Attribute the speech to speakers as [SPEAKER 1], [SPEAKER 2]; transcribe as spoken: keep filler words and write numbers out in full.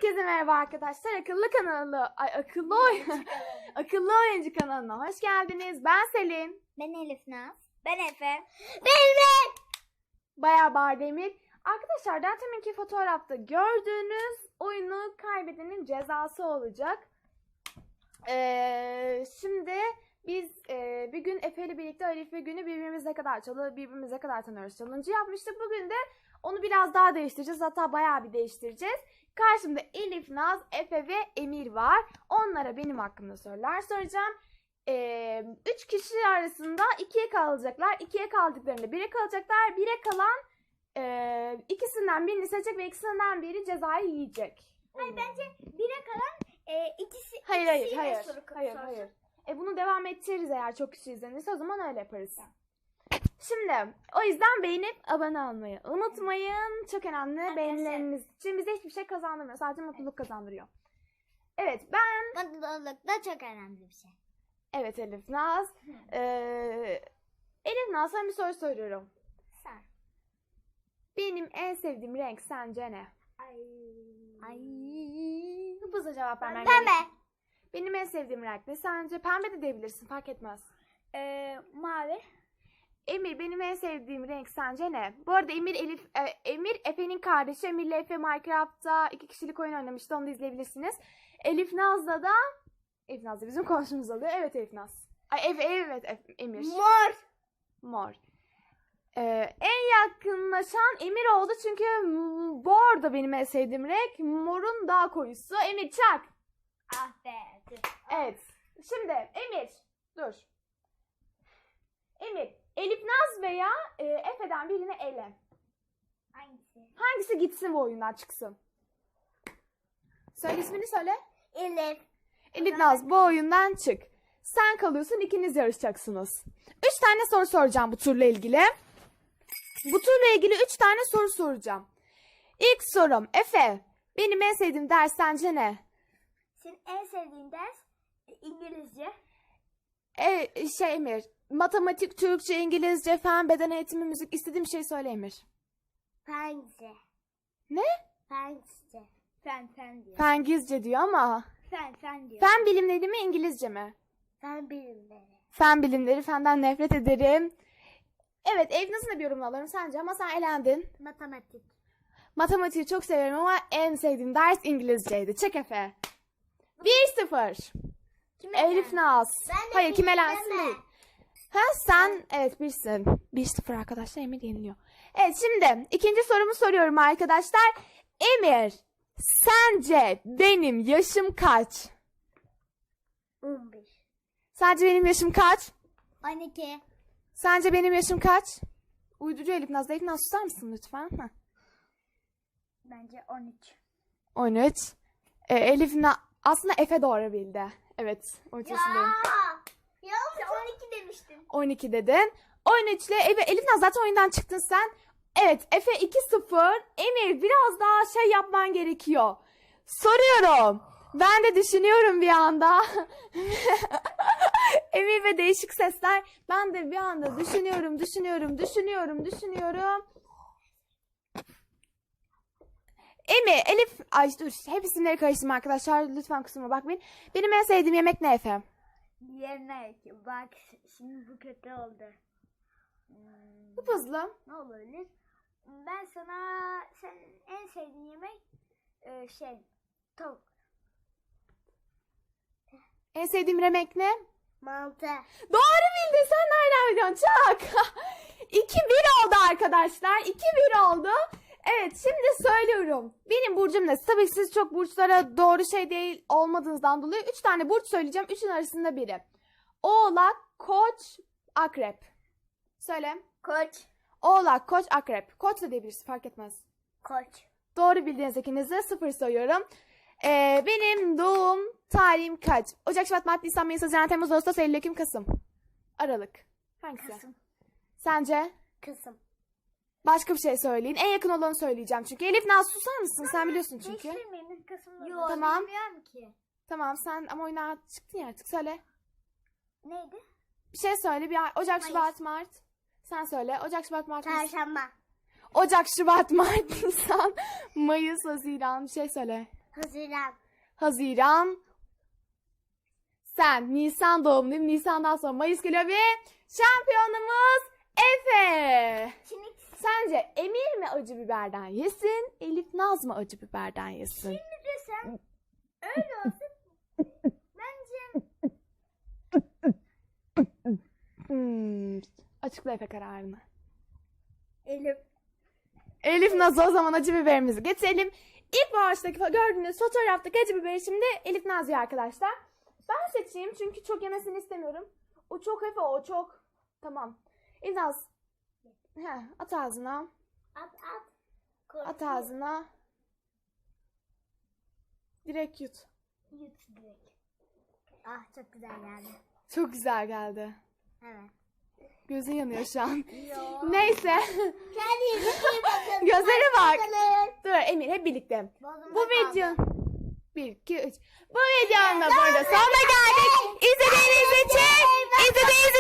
[SPEAKER 1] Herkese merhaba arkadaşlar. Akıllı kanalı, ay akıllı oyun, akıllı oyuncu kanalına hoş geldiniz. Ben Selin.
[SPEAKER 2] Ben Elif Naz. Ben Efe. Ben Emir.
[SPEAKER 1] Bayağı Bardemir. Arkadaşlar daha teminki fotoğrafta gördüğünüz oyunu kaybedenin cezası olacak. Ee, şimdi biz e, bir gün Efe ile birlikte Elif ve Günü birbirimize kadar çalı, birbirimize kadar tanıyoruz challenge yapmıştık. Bugün de onu biraz daha değiştireceğiz. Hatta bayağı bir değiştireceğiz. Karşımda Elif, Naz, Efe ve Emir var. Onlara benim hakkımda sorular soracağım. Ee, üç kişi arasında ikiye kalacaklar. İkiye kaldıklarında bire kalacaklar. Bire kalan e, ikisinden birini seçecek ve ikisinden biri cezayı yiyecek.
[SPEAKER 2] Hayır, bence bire kalan e, ikisi
[SPEAKER 1] Hayır hayır
[SPEAKER 2] ikisiyle
[SPEAKER 1] hayır.
[SPEAKER 2] soru
[SPEAKER 1] Hayır
[SPEAKER 2] sorsun.
[SPEAKER 1] hayır. E bunu devam ettiririz eğer çok kişi izlenirse, o zaman öyle yaparız. Şimdi o yüzden beğenip abone olmayı unutmayın. Çok önemli.
[SPEAKER 2] Arkadaşlar.
[SPEAKER 1] Beğenileriniz için bize hiçbir şey kazandırmıyor. Sadece mutluluk kazandırıyor. Evet ben
[SPEAKER 2] Mutluluk da çok önemli bir şey.
[SPEAKER 1] evet Elif Naz. Ee, Elif Naz, sana bir soru soruyorum.
[SPEAKER 2] Sen.
[SPEAKER 1] Benim en sevdiğim renk sence ne?
[SPEAKER 2] Ay. Ay.
[SPEAKER 1] Hızlıca cevap vermen
[SPEAKER 2] Pembe.
[SPEAKER 1] gerek. Benim en sevdiğim renk ne? Sence pembe de diyebilirsin, fark etmez.
[SPEAKER 2] Ee, mavi.
[SPEAKER 1] Emir, benim en sevdiğim renk sence ne? Bu arada Emir Elif e, Emir Efe'nin kardeşi. Emir'le Efe Minecraft'ta iki kişilik oyun oynamıştı. Onu da izleyebilirsiniz. Elif Naz'la da Elif Naz da bizim komşumuz oluyor. Evet Elif Naz. Ay evet evet Efe- Emir.
[SPEAKER 2] Mor.
[SPEAKER 1] Mor. Ee, en yakınlaşan Emir oldu çünkü mor da benim en sevdiğim renk. Morun daha koyusu. Emir çak.
[SPEAKER 2] Ah be. Dur.
[SPEAKER 1] Evet. Şimdi Emir dur. Emir, Elif Naz veya e, Efe'den birini ele.
[SPEAKER 2] Hangisi?
[SPEAKER 1] Hangisi gitsin bu oyundan çıksın? Söyle ismini söyle.
[SPEAKER 2] Elif.
[SPEAKER 1] Elif Naz bu oyundan çık. Sen kalıyorsun, ikiniz yarışacaksınız. Üç tane soru soracağım bu turla ilgili. Bu turla ilgili üç tane soru soracağım. İlk sorum, Efe, benim en sevdiğim ders sence ne?
[SPEAKER 2] Senin en sevdiğin ders İngilizce.
[SPEAKER 1] E, şey Emir, matematik, Türkçe, İngilizce, fen, beden eğitimi, müzik, istediğim şey söyle Emir.
[SPEAKER 2] Fence.
[SPEAKER 1] Ne?
[SPEAKER 2] Fence. Fen fen diyor.
[SPEAKER 1] Fen İngilizce diyor ama.
[SPEAKER 2] Fen fen diyor.
[SPEAKER 1] Fen bilimleri mi, İngilizce mi?
[SPEAKER 2] Fen bilimleri.
[SPEAKER 1] Fen bilimleri, fenden nefret ederim. Evet, ev nasıl bir yorumunu alırım sence, ama sen elendin.
[SPEAKER 2] Matematik.
[SPEAKER 1] Matematiği çok severim ama en sevdiğim ders İngilizceydi. Çek Efe. bir sıfır.
[SPEAKER 2] Kime
[SPEAKER 1] Elif Naz.
[SPEAKER 2] Ben de
[SPEAKER 1] Hayır, kim
[SPEAKER 2] bir,
[SPEAKER 1] elensin
[SPEAKER 2] ben de.
[SPEAKER 1] değil. Ha sen, evet birsin. bir sıfır arkadaşlar, Emir yeniliyor. Evet, şimdi ikinci sorumu soruyorum arkadaşlar. Emir, sence benim yaşım kaç?
[SPEAKER 2] on bir.
[SPEAKER 1] Sence benim yaşım kaç?
[SPEAKER 2] on iki.
[SPEAKER 1] Sence benim yaşım kaç? Uydurucu Elif Naz. Elif Naz susar mısın lütfen? Heh.
[SPEAKER 2] Bence on üç.
[SPEAKER 1] on üç. Ee, Elif Na aslında Efe doğru bildi. Evet, on üç yaşındayım.
[SPEAKER 2] Ya sen on iki demiştin.
[SPEAKER 1] on iki dedin. on üç ile Efe, Elif Naz zaten oyundan çıktın sen. Evet, Efe iki sıfır. Emir, biraz daha şey yapman gerekiyor. Soruyorum. Ben de düşünüyorum bir anda. Emir ve değişik sesler. Ben de bir anda düşünüyorum, düşünüyorum, düşünüyorum, düşünüyorum. Emir, Elif, ay dur, hep isimleri karıştırma arkadaşlar. Lütfen kusuruma bakmayın. Benim en sevdiğim yemek ne Efe?
[SPEAKER 2] Yemek. Bak şimdi bu kötü oldu. Hmm,
[SPEAKER 1] Bu hızlı.
[SPEAKER 2] ne olabilir? Ben sana senin en sevdiğin yemek e, şey tavuk.
[SPEAKER 1] En sevdiğim yemek ne?
[SPEAKER 2] Mantı.
[SPEAKER 1] Doğru bildin, sen nereden biliyorsun? Çak. iki bir oldu arkadaşlar. iki bir oldu. Evet, şimdi söylüyorum. Benim burcum ne? Tabii siz çok burçlara doğru şey değil olmadığınızdan dolayı üç tane burç söyleyeceğim. Üçün arasında biri. Oğlak, Koç, Akrep. Söyle.
[SPEAKER 2] Koç.
[SPEAKER 1] Oğlak, Koç, Akrep. Koç da diyebilirsin, fark etmez.
[SPEAKER 2] Koç.
[SPEAKER 1] Doğru bildiğiniz ikinize sıfır sayıyorum. Ee, benim doğum tarihim kaç? Ocak, Şubat, Mart, Nisan, Mayıs, Haziran, Temmuz, Ağustos, Eylül, Ekim, Kasım. Aralık. Hangisi?
[SPEAKER 2] Kasım.
[SPEAKER 1] Sence?
[SPEAKER 2] Kasım.
[SPEAKER 1] Başka bir şey söyleyin. En yakın olanı söyleyeceğim çünkü. Elif Naz susar mısın? Sen biliyorsun çünkü.
[SPEAKER 2] Değiştirmeyin. Kasım'da.
[SPEAKER 1] Yok, tamam.
[SPEAKER 2] Bilmiyorum ki.
[SPEAKER 1] Tamam, sen ama oyuna çıktın ya artık. Söyle.
[SPEAKER 2] Neydi?
[SPEAKER 1] Bir şey söyle. Bir ay- Ocak,
[SPEAKER 2] Mayıs.
[SPEAKER 1] Şubat, Mart. Sen söyle. Ocak, Şubat, Mart, Nisan.
[SPEAKER 2] Çarşamba.
[SPEAKER 1] Ocak, Şubat, Mart, Nisan, Mayıs, Haziran. Bir şey söyle.
[SPEAKER 2] Haziran.
[SPEAKER 1] Haziran. Sen Nisan doğumluyum. Nisan'dan sonra Mayıs geliyor ve şampiyonumuz Efe.
[SPEAKER 2] Şimdi,
[SPEAKER 1] Sence Emir mi acı biberden yesin, Elif Naz mı acı biberden yesin?
[SPEAKER 2] şimdi desem öyle olsun. Bence
[SPEAKER 1] Hmm. Açıkla Efe kararını.
[SPEAKER 2] Elif.
[SPEAKER 1] Elif Naz'a o zaman acı biberimizi getirelim. İlk baştaki gördüğünüz fotoğraftaki acı biberi şimdi Elif Naz yiyor arkadaşlar. Ben seçeyim çünkü çok yemesini istemiyorum. O çok Efe, o çok. Tamam. Elif Naz. Heh, at ağzına.
[SPEAKER 2] At at.
[SPEAKER 1] At ağzına. Direkt yut.
[SPEAKER 2] Yut direkt. Ah çok güzel geldi.
[SPEAKER 1] Çok güzel geldi.
[SPEAKER 2] Evet.
[SPEAKER 1] Gözün yanıyor şu an.
[SPEAKER 2] Yo.
[SPEAKER 1] Neyse.
[SPEAKER 2] Kendinize iyi bakın.
[SPEAKER 1] Gözlere bak.
[SPEAKER 2] Hoşçakalın.
[SPEAKER 1] Dur Emir hep birlikte.
[SPEAKER 2] Bozumda
[SPEAKER 1] Bu video...
[SPEAKER 2] kaldı.
[SPEAKER 1] bir, iki, üç. Bu videonun da burada sonuna geldik. İzlediğiniz için, izlediğiniz